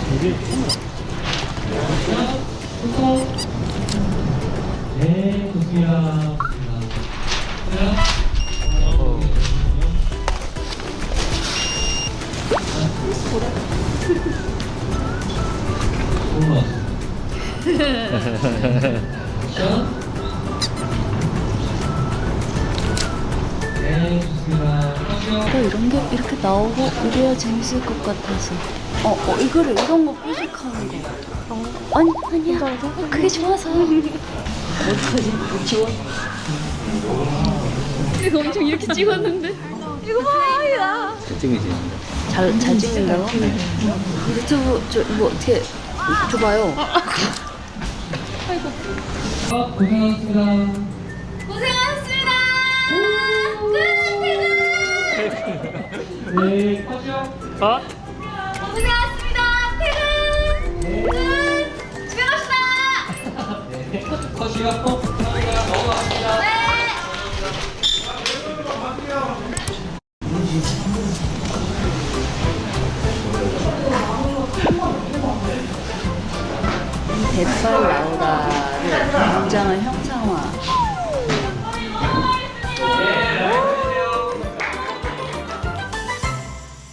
이게 네, 좋습니다. 네, 좋습니다. 이런 게 이렇게 나오고 이래야 재밌을 것 같아서. 이거를 이런 거 삐죽하는 거. 아니야. 그게 좋아서. 어떡하지? 뭐 지워? 이거 엄청 이렇게 찍었는데. 이거 봐, 야. 찡이지. 잘 찍는다고? 유튜브 이거 어떻게 줘봐요. 고생하셨습니다. 고생하셨습니다. 끝. 네, 컷이요. 컷. 고생하셨습니다. 퇴근. 끝. 집에 갑시다. 네, 컷이요. 넘어갑니다. 네. 대빨 라우라를 굉장한 형상화